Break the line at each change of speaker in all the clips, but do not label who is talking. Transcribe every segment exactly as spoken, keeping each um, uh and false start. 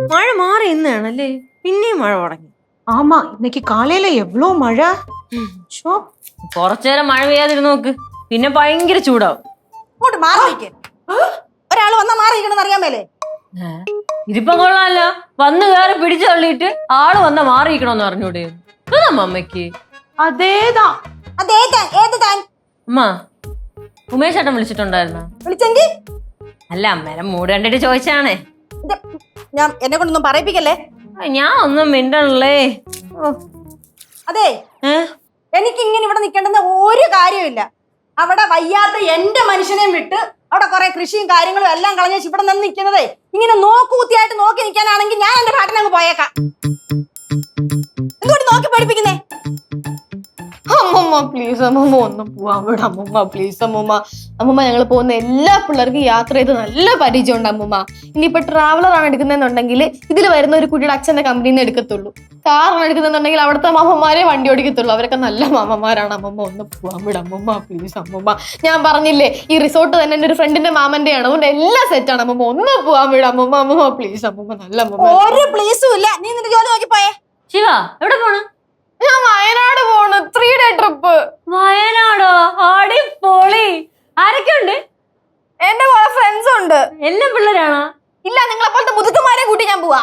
മഴ മാറി ഇന്നാണല്ലേ പിന്നെയും മഴ തുടങ്ങി.
ஆமா இன்னைக்கு காலையில எவ்வளவு மழை.
കുറച്ചേരം മഴ പെയ്യാതിരുന്ന് നോക്ക്, പിന്നെ ഭയങ്കര ചൂടാവും.
ഇങ്ങോട്ട് മാറി നിൽക്ക്. ഒരാൾ വന്നാ മാറിയിരിക്കണമെന്ന് അറിയാൻ മേലേ.
ഇതിപ്പോ കൊള്ളാമല്ലോ, വന്ന് കയറി പിടിച്ചു തള്ളിയിട്ട് ആള് വന്നാ മാറിയിരിക്കണോന്ന് അറിഞ്ഞൂടെ അമ്മയ്ക്ക്?
അതേതാ
അതേ താൻ ഏത് താൻ?
അമ്മ ഉമേഷ് ഏട്ടൻ വിളിച്ചിട്ടുണ്ടായിരുന്ന?
വിളിച്ചെങ്കിൽ
അല്ല അമ്മേനെ മൂട് കണ്ടിട്ട് ചോദിച്ചാണേ.
ഞാൻ എന്നെ കൊണ്ടൊന്നും പറയിപ്പിക്കല്ലേ.
ഞാൻ ഒന്നും മിണ്ടണല്ലേ.
അതെ, എനിക്ക് ഇങ്ങനെ ഇവിടെ നിൽക്കേണ്ടെന്ന് ഒരു കാര്യമില്ല. അവിടെ വയ്യാത്ത എന്റെ മനുഷ്യനെയും വിട്ട് അവിടെ കുറെ കൃഷിയും കാര്യങ്ങളും എല്ലാം കളഞ്ഞ ഇവിടെ നിന്ന് നിൽക്കുന്നതേ ഇങ്ങനെ നോക്കുകുത്തിയായിട്ട് നോക്കി നിൽക്കാനാണെങ്കിൽ ഞാൻ എന്റെ പാട്ടിനങ്ങ് പോയേക്കാം. എന്തുകൊണ്ട് നോക്കി പഠിപ്പിക്കുന്നേ?
അമ്മമ്മ പ്ലീസ് അമ്മമ്മ ഒന്നും പോവാൻ വിട അമ്മമ്മ പ്ലീസ് അമ്മമ്മ. അമ്മമ്മ ഞങ്ങൾ പോകുന്ന എല്ലാ പിള്ളേർക്കും യാത്ര ചെയ്ത് നല്ല പരിചയമുണ്ട് അമ്മമ്മ. ഇനിയിപ്പോ ട്രാവലർ ആണ് എടുക്കുന്നതെന്നുണ്ടെങ്കിൽ ഇതിൽ വരുന്ന ഒരു കുട്ടിയുടെ അച്ഛന്റെ കമ്പനിയിൽ നിന്ന് എടുക്കത്തുള്ളൂ. കാറാണ് എടുക്കുന്നുണ്ടെങ്കിൽ അവിടുത്തെ മാമന്മാരെ വണ്ടി ഓടിക്കത്തുള്ളൂ. അവരൊക്കെ നല്ല മാമന്മാരാണ്. അമ്മമ്മ ഒന്ന് പോവാൻ വിട അമ്മമ്മ പ്ലീസ് അമ്മമ്മ. ഞാൻ പറഞ്ഞില്ലേ ഈ റിസോർട്ട് തന്നെ എന്റെ ഒരു ഫ്രണ്ടിന്റെ മാമന്റെ ആണ്, അതുകൊണ്ട് എല്ലാം സെറ്റാണ് അമ്മമ്മ. ഒന്ന് പോവാൻ വിട അമ്മമ്മ. അമ്മമ്മ പ്ലീസ് അമ്മമ്മ നല്ല അമ്മമ്മ.
ഒരു പ്ലീസും ഇല്ല. നീ നിന്റെ ജോലി നോക്കി പോയേ.
ശിവ എവിടെ പോണു?
ഞാൻ വയനാട് പോണു, ത്രീ ഡേ ട്രിപ്പ്.
വയനാടോ? അടിപൊളി. ആരൊക്കെ ഉണ്ട്?
എന്റെ കുറെ ഫ്രണ്ട്സ് ഉണ്ട്.
എല്ലാ പിള്ളേരാണോ?
ഇല്ല, നിങ്ങളെ പോലത്തെ മുതുക്കന്മാരെ കൂട്ടി ഞാൻ പോവാ.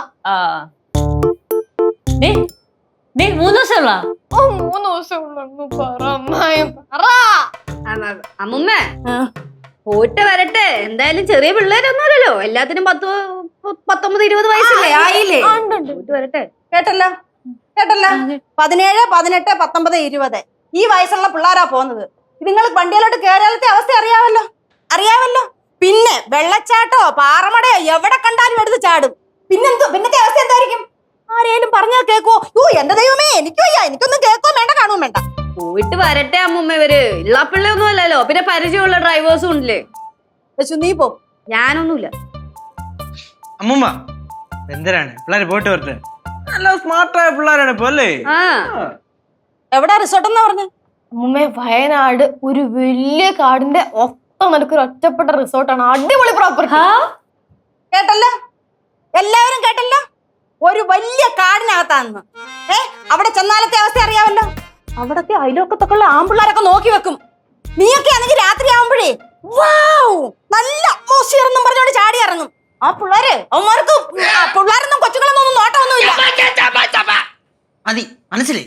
മൂന്ന് ദിവസമുള്ള
ഓ മൂന്ന് ദിവസം
അമ്മുമ്മ പോയിട്ട് വരട്ടെ. എന്തായാലും ചെറിയ പിള്ളേരൊന്നുമല്ലല്ലോ, എല്ലാത്തിനും പത്ത് പത്തൊമ്പത് ഇരുപത് വയസ്സല്ലേ ആയില്ലേ. പോയിട്ട് വരട്ടെ.
കേട്ടല്ലോ കേട്ടല്ലോ പതിനേഴ് പതിനെട്ട് പത്തൊമ്പത് ഇരുപത് ഈ വയസ്സുള്ള പിള്ളേരാ പോകുന്നത്. നിങ്ങൾ വണ്ടിയിലോട്ട് കയറിയാലത്തെ അവസ്ഥ അറിയാമല്ലോ അറിയാമല്ലോ പിന്നെ വെള്ളച്ചാട്ടോ പാറമടയോ എവിടെ കണ്ടാലും എടുത്ത് ചാടും. പിന്നെന്തോ പിന്നത്തെ അവസ്ഥ എന്തായിരിക്കും? ആരേലും പറഞ്ഞാൽ കേക്കോ? യോ എന്റെ ദൈവമേ, എനിക്കോ എനിക്കൊന്നും കേക്കോ വേണ്ട കാണും വേണ്ട.
പോയിട്ട് വരട്ടെ അമ്മുമ്മ. ഇവര് ഇള്ള പിള്ളയൊന്നും അല്ലല്ലോ, പിന്നെ പരിചയമുള്ള ഡ്രൈവേഴ്സും ഉണ്ടല്ലേ.
നീ പോ,
ഞാനൊന്നുമില്ല.
അമ്മുമ്മ എന്തിനാണ് പിള്ളേര് പോയിട്ട് വരട്ടെ. നല്ല സ്മാർട്ടായ പിള്ളേരാണ് ഇപ്പൊ അല്ലേ.
എവിടാ റിസോർട്ട് എന്നാ പറഞ്ഞു?
അമ്മൂമ്മ വയനാട് ഒരു വലിയ കാടിന്റെ ഒത്ത നടുക്കൊരു ഒറ്റപ്പെട്ട റിസോർട്ടാണ്. അടിപൊളി പ്രോപ്പർട്ടി.
കേട്ടല്ലോ എല്ലാവരും കേട്ടല്ലോ, ഒരു വലിയ കാടിനകത്താന്ന്. ഏ അവിടെ ചെന്നാലത്തെ അവസ്ഥ അറിയാമല്ലോ. അവിടത്തെ അയലോക്കത്തൊക്കെയുള്ള ആമ്പിള്ളേരൊക്കെ നോക്കി വെക്കും. നീയൊക്കെ ആണെങ്കിൽ രാത്രി ആവുമ്പോഴേ വാവ് നല്ല അറ്റ്മോസ്ഫിയർ എന്നും പറഞ്ഞോണ്ട് ചാടി ഇറങ്ങും. ആ പിള്ളേര് അവന്മാർക്ക് പിള്ളേരൊന്നും കൊച്ചുങ്ങളൊന്നും ഒന്നും നോട്ടമൊന്നുമില്ല.
മതി മനസ്സിലേ.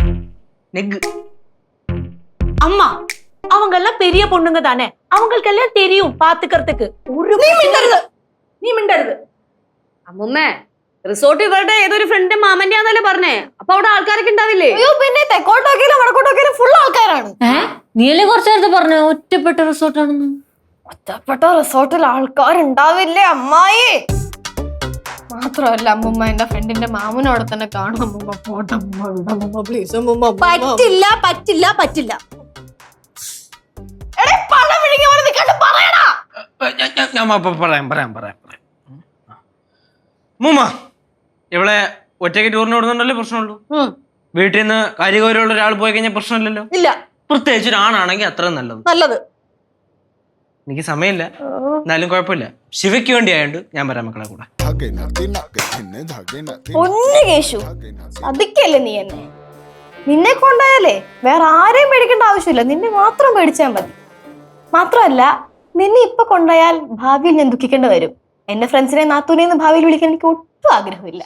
அம்மா அவங்க எல்லாம் பெரிய பொண்ணுங்க தானே, அவங்களுக்கு எல்லாம் தெரியும் பாத்துக்கிறதுக்கு.
നീ മിണ്ടരുത്, നീ മിണ്ടരുത്.
അമ്മുമ്മ റിസോർട്ട് ഇവരുടെ ഏതൊരു ഫ്രണ്ട് മാമന്റെ ആന്നല്ലേ പറഞ്ഞേ. അപ്പൊ അവിടെ ആൾക്കാരൊക്കെ ഉണ്ടാവില്ലേ?
അയ്യോ പിന്നെ തെക്കോട്ടോക്കിയാലും വടക്കോട്ടോക്കിയാലും ഫുൾ ആൾക്കാരാണ്.
നീയല്ലേ കുറച്ചു നേരത്തെ പറഞ്ഞു ഒറ്റപ്പെട്ട റിസോർട്ടാണെന്ന്?
ഒറ്റപ്പെട്ട റിസോർട്ടിൽ ആൾക്കാരുണ്ടാവില്ലേ അമ്മായി? മാത്രമല്ല അമ്മുമ്മ എന്റെ ഫ്രണ്ടിന്റെ മാമനോടെ തന്നെ കാണും. അമ്മുമ്മ പോട്ടെ അമ്മുമ്മ പ്ലീസ് അമ്മുമ്മ.
പറ്റില്ല പറ്റില്ല പറ്റില്ല.
പണം വിഴുങ്ങി പോലെ നിൽക്കാണ്ട് പറയടാ.
ഞാൻ പറയാം പറയാം പറയാം പറയാം അമ്മുമ്മ ഇവിടെ ഒറ്റയ്ക്ക് ടൂറിന് വിടുന്നുണ്ടല്ലേ പ്രശ്നമുള്ളൂ. വീട്ടിൽ നിന്ന് കാര്യഗൗരവമുള്ള ഒരാൾ പോയി കഴിഞ്ഞാൽ പ്രശ്നമില്ലല്ലോ.
ഇല്ല,
പ്രത്യേകിച്ച് ഒരാണാണെങ്കിൽ അത്രയും നല്ലത്.
നല്ലത്.
എനിക്ക് സമയമില്ല, എന്നാലും കുഴപ്പമില്ല. ശിവയ്ക്ക് വേണ്ടി ആയോണ്ട് ഞാൻ വരാം മക്കളെ കൂടെ.
പൊന്നു കേശു അതിക്കല്ലേ നീ എന്നെ. നിന്നെ കൊണ്ടായാലേ വേറെ ആരെയും പേടിക്കേണ്ട ആവശ്യമില്ല, നിന്നെ മാത്രം പേടിച്ചാൽ മതി. മാത്രമല്ല നിന്നെ ഇപ്പൊ കൊണ്ടായാൽ ഭാവിയിൽ ഞാൻ ദുഃഖിക്കേണ്ടി വരും. എന്റെ ഫ്രണ്ട്സിനെ നാത്തൂനെന്ന് ഭാവിയിൽ വിളിക്കാൻ എനിക്ക് ഒട്ടും ആഗ്രഹമില്ല.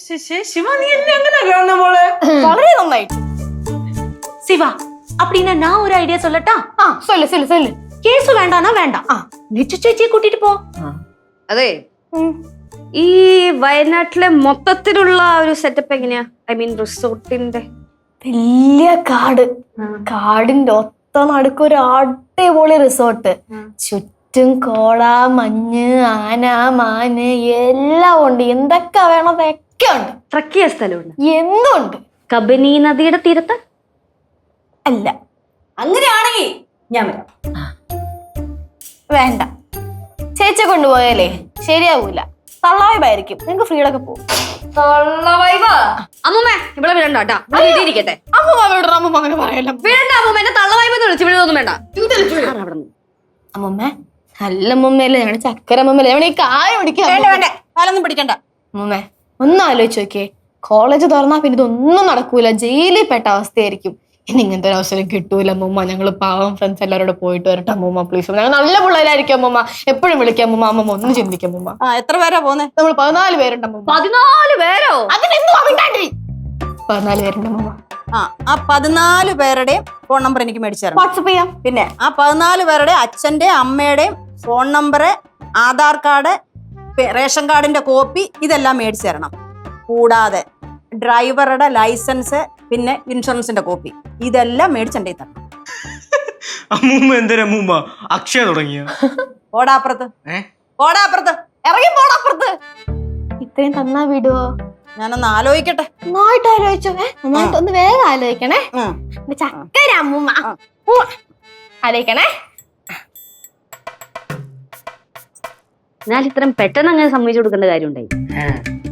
വളരെ നന്നായിട്ട്.
சிவா அப்படின்னா நான் ஒரு ஐடியா சொல்லட்டா?
ആ சொல்லு சொல்லு சொல்லு.
கேசு வேண்டானா வேண்டாம், ലിച്ചു ചേച്ചിയെ കൂട്ടിട്ട് പോ.
അതെ, ഈ വയനാട്ടിലെ മൊത്തത്തിലുള്ള ഒരു സെറ്റപ്പ് എങ്ങനെയാ? ഐ മീൻ റിസോർട്ടിന്റെ.
വലിയ കാട്, കാടിന്റെ ഒത്ത നടുക്കൊരു അടിപൊളി റിസോർട്ട്. ചുറ്റും കോട മഞ്ഞ് ആന മാന് എല്ലാം ഉണ്ട്. എന്തൊക്കെ വേണം അതൊക്കെ ഉണ്ട്.
ട്രക്ക് ചെയ്യാൻ സ്ഥലമുണ്ട്.
എന്തുണ്ട്?
കബനി നദിയുടെ തീരത്ത്
അല്ല.
അങ്ങനെയാണെങ്കിൽ ഞാൻ വരാം.
വേണ്ട, ചേച്ചിയെ കൊണ്ടുപോയാലേ ശരിയാവൂല. തള്ളാവായിരിക്കും. നിങ്ങൾക്ക് ഫ്രീഡൊക്കെ പോകും.
അമ്മൂമ്മ ഇവിടെ വിടണ്ട കേട്ടാ, ഇരിക്കട്ടെ.
അമ്മൂമ്മ വിടണം. അമ്മൂമ്മ അങ്ങനെ പറയല്ലോ.
വേണ്ട അമ്മൂമ്മ, എന്നെ തള്ളവായ്പ വിളിച്ചു വിടുന്നൊന്നും വേണ്ട.
അമ്മൂമ്മ നല്ല അമ്മൂമ്മയല്ലേ, ഞങ്ങളുടെ ചക്കര അമ്മൂമ്മല്ലേ, ഞങ്ങളുടെ ഈ കായ പിടിക്കാൻ.
വേണ്ട വേണ്ട, കാലൊന്നും പിടിക്കണ്ട.
അമ്മൂമ്മ ഒന്ന് ആലോചിച്ച് നോക്കിയേ, കോളേജ് തുറന്നാ പിന്നെ ഇതൊന്നും നടക്കൂല, ജയിലിൽ പെട്ട അവസ്ഥയായിരിക്കും. ഇനി ഇങ്ങനത്തെ ഒരു അവസരം കിട്ടൂല അമ്മൂമ്മ. ഞങ്ങൾ പാവം ഫ്രണ്ട്സ് എല്ലാവരോട് പോയിട്ട് വരട്ടെ അമ്മൂമ്മ പ്ലീസ്. ഞങ്ങൾ നല്ല പിള്ളേരായിരിക്കും അമ്മൂമ്മ, എപ്പോഴും വിളിക്കാം അമ്മൂമ്മ. അമ്മൂമ്മ ഒന്ന് ചിന്തിക്കും അമ്മൂമ്മ.
ആ എത്ര പേരാ പോന്നെ?
നമ്മൾ പതിനാല് പേരുണ്ട് അമ്മൂമ്മ.
പതിനാല് പേരോ?
അതിനെന്തുവാ മിണ്ടാണ്ടിരി. പതിനാല് പേരുണ്ട് അമ്മൂമ്മ.
ആ ആ പതിനാല് പേരുടെയും ഫോൺ നമ്പർ എനിക്ക് മേടിച്ചു തരണം.
വാട്സപ്പ് ചെയ്യാം.
പിന്നെ ആ പതിനാല് പേരുടെ അച്ഛന്റെയും അമ്മയുടെയും phone number, Aadhaar card, ration കാർഡിന്റെ കോപ്പി ഇതെല്ലാം മേടിച്ചു തരണം. കൂടാതെ ഡ്രൈവറുടെ ലൈസൻസ്, പിന്നെ ഇൻഷുറൻസിന്റെ കോപ്പി, ഇതെല്ലാം മേടിച്ചെന്റെ തരണം.
അമ്മൂമ്മ എന്തിനാ അമ്മൂമ്മ അക്ഷയ തുടങ്ങിയ?
ഓടാപ്പുറത്ത്
ഏ
ഓടാപ്പുറത്ത്
ഇറങ്ങി പോടാപ്പുറത്ത്. ഇത്രയും തന്നാ വിടുവോ?
ഞാനൊന്ന് ആലോചിക്കട്ടെ.
നന്നായിട്ട് ആലോചിച്ചോ. ഏ നന്നായിട്ട് ഒന്ന് വേഗം ആലോചിക്കണേ.
ഉം.
എന്റെ ചക്കര അമ്മൂമ്മ. ഉം. ആലോചിക്കണേ.
എന്നാൽ ഇത്രയും പെട്ടെന്ന് അങ്ങനെ സമ്മതിച്ചു കൊടുക്കേണ്ട കാര്യം ഉണ്ടായി.